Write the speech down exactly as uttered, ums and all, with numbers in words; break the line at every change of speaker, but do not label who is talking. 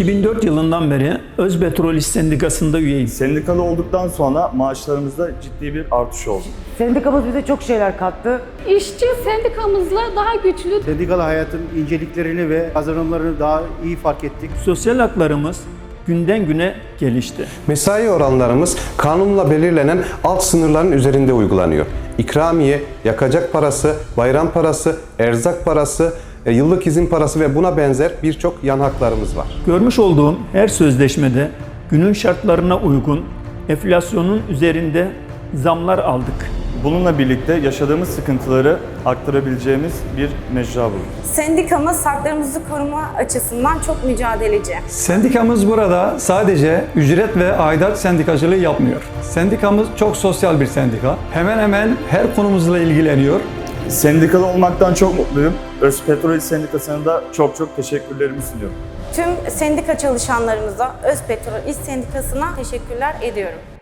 iki bin dört yılından beri Özpetrol İş Sendikası'nda üyeyim.
Sendikalı olduktan sonra maaşlarımızda ciddi bir artış oldu.
Sendikamız bize çok şeyler kattı.
İşçi sendikamızla daha güçlü.
Sendikalı hayatın inceliklerini ve kazanımlarını daha iyi fark ettik.
Sosyal haklarımız günden güne gelişti.
Mesai oranlarımız kanunla belirlenen alt sınırların üzerinde uygulanıyor. İkramiye, yakacak parası, bayram parası, erzak parası, yıllık izin parası ve buna benzer birçok yan haklarımız var.
Görmüş olduğum her sözleşmede günün şartlarına uygun enflasyonun üzerinde zamlar aldık.
Bununla birlikte yaşadığımız sıkıntıları aktarabileceğimiz bir mecra bulduk.
Sendikamız haklarımızı koruma açısından çok mücadeleci.
Sendikamız burada sadece ücret ve aidat sendikacılığı yapmıyor. Sendikamız çok sosyal bir sendika. Hemen hemen her konumuzla ilgileniyor.
Sendikalı olmaktan çok mutluyum. Özpetrol İş Sendikası'na da çok çok teşekkürlerimi sunuyorum.
Tüm sendika çalışanlarımıza Özpetrol İş Sendikası'na teşekkürler ediyorum.